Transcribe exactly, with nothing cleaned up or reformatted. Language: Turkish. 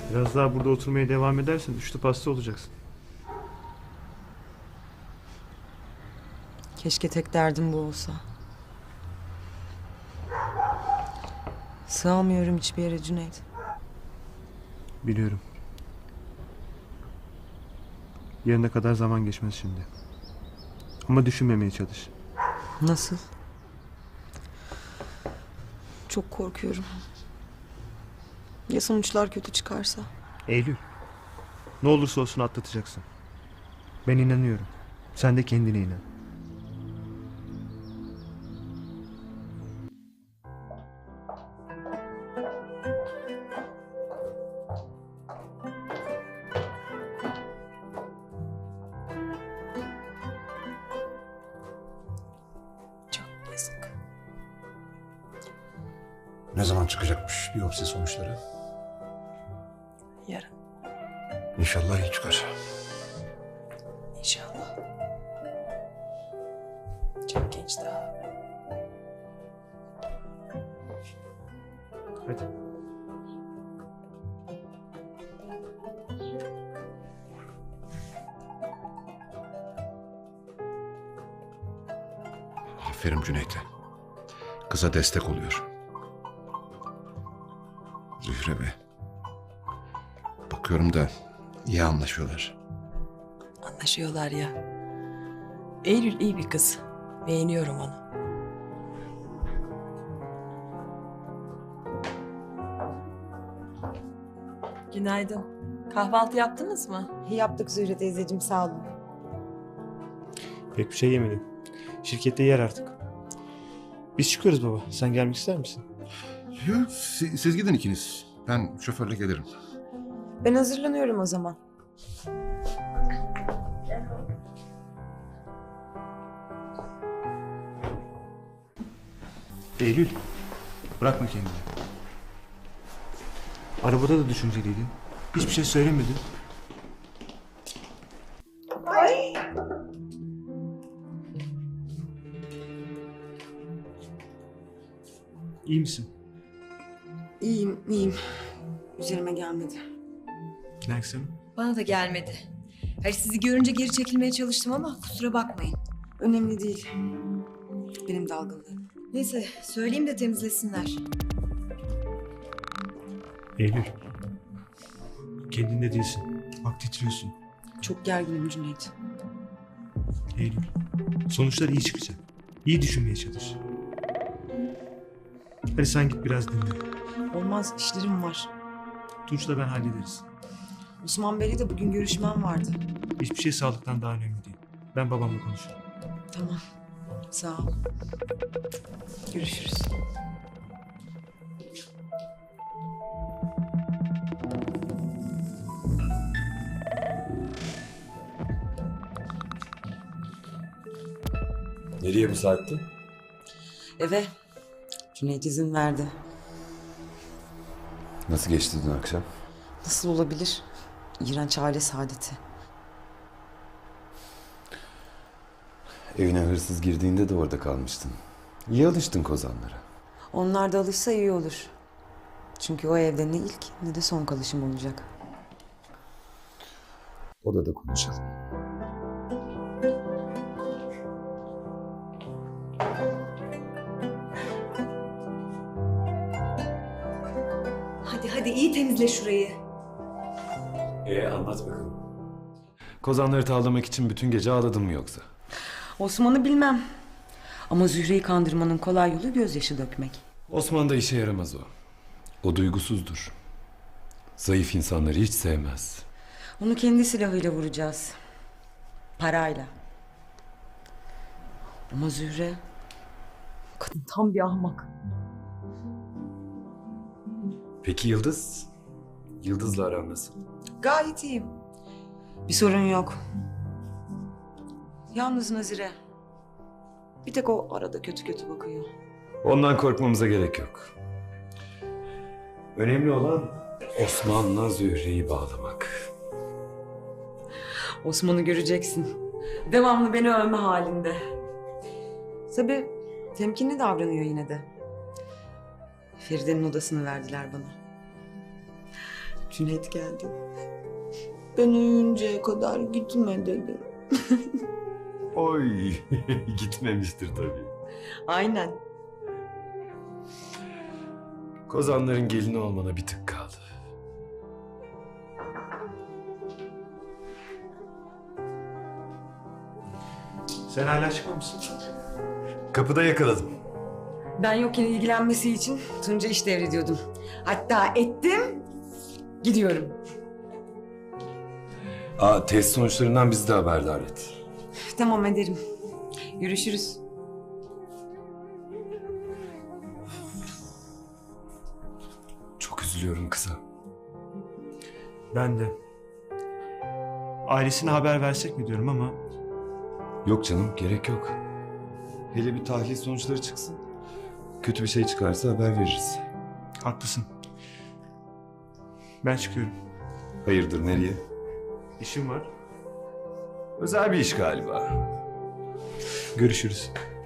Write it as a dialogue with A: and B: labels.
A: Biraz daha burada oturmaya devam edersen üçlü pasta olacaksın.
B: Keşke tek derdim bu olsa. Sığamıyorum hiçbir yere Cüneyt.
A: Biliyorum. Yarına kadar zaman geçmez şimdi. Ama düşünmemeye çalış.
B: Nasıl? Çok korkuyorum. Ya sonuçlar kötü çıkarsa?
A: Eylül. Ne olursa olsun atlatacaksın. Ben inanıyorum. Sen de kendine inan.
B: Çok yazık.
C: Ne zaman çıkacakmış biyopsi sonuçları?
B: Yarın
C: İnşallah iyi çıkar.
B: inşallah. Çok genç daha.
A: Hadi.
C: Aferin Cüneyt'e. Kıza destek oluyor. Zühre be. Bakıyorum da iyi anlaşıyorlar.
B: Anlaşıyorlar ya. Eylül iyi bir kız. Beğeniyorum onu.
D: Günaydın. Kahvaltı yaptınız mı?
B: Yaptık Zühre teyzeciğim, sağ olun.
A: Pek bir şey yemedim. Şirkette yer artık. Biz çıkıyoruz baba. Sen gelmek ister misin?
C: Yok, siz, siz gidin ikiniz. Ben şoförle gelirim.
B: Ben hazırlanıyorum o zaman.
A: Eylül. Bırakma kendini. Arabada da düşünceliydin. Hiçbir şey söylemedin. İyi misin?
B: İyiyim, iyiyim. Üzerime gelmedi.
A: Nergis Hanım?
D: Bana da gelmedi. Hayır, sizi görünce geri çekilmeye çalıştım ama kusura bakmayın.
B: Önemli değil. Benim dalgınlığım.
D: Neyse, söyleyeyim de temizlesinler.
A: Eylül. Kendinde değilsin. Bak titriyorsun.
B: Çok gerginim Cüneyt.
A: Eylül. Sonuçlar iyi çıkacak. İyi düşünmeye çalış. Hadi sen git biraz dinle.
B: Olmaz, işlerim var.
A: Tunç'la ben hallederiz.
B: Osman Bey'le de bugün görüşmem vardı.
A: Hiçbir şey sağlıktan daha önemli değil. Ben babamla konuşurum.
B: Tamam, sağ ol. Görüşürüz.
E: Nereye bu saatte?
B: Eve. Cüneyt izin verdi.
E: Nasıl geçti dün akşam?
B: Nasıl olabilir? İğrenç aile saadeti.
E: Evine hırsız girdiğinde de orada kalmıştın. İyi alıştın kozanlara.
B: Onlar da alışsa iyi olur. Çünkü o evde ne ilk ne de son kalışım olacak.
E: Odada konuşalım.
D: Hadi hadi iyi temizle şurayı.
E: Ee anlat bakalım. Kozanları tavlamak için bütün gece ağladın mı yoksa?
B: Osman'ı bilmem. Ama Zühre'yi kandırmanın kolay yolu gözyaşı dökmek.
E: Osman da işe yaramaz o. O duygusuzdur. Zayıf insanları hiç sevmez.
B: Onu kendi silahıyla vuracağız. Parayla. Ama Zühre... Kadın tam bir ahmak.
E: Peki Yıldız? Yıldız'la aran nasıl?
B: Gayet iyiyim. Bir sorun yok. Yalnız Nazire. Bir tek o arada kötü kötü bakıyor.
E: Ondan korkmamıza gerek yok. Önemli olan Osman'la Zühre'yi bağlamak.
B: Osman'ı göreceksin. Devamlı beni övme halinde. Tabii temkinli davranıyor yine de. Feride'nin odasını verdiler bana. Cüneyt geldi. Ben uyuyuncaya kadar gitme dedi.
E: Oy, gitmemiştir tabii.
B: Aynen.
E: Kozanların gelini olmana bir tık kaldı.
A: Sen hala çıkmamışsın.
E: Kapıda yakaladım.
B: Ben yokken ilgilenmesi için Tunca iş devrediyordum. Hatta ettim, gidiyorum.
E: Aa, test sonuçlarından bizi de haberdar et.
B: Tamam ederim. Görüşürüz.
E: Çok üzülüyorum kıza.
A: Ben de. Ailesine haber versek mi diyorum ama
E: Yok canım, gerek yok. Hele bir tahlil sonuçları çıksın. Kötü bir şey çıkarsa haber veririz.
A: haklısın. Ben çıkıyorum.
E: Hayırdır, nereye?
A: İşim var.
E: Özel bir iş galiba.
A: Görüşürüz.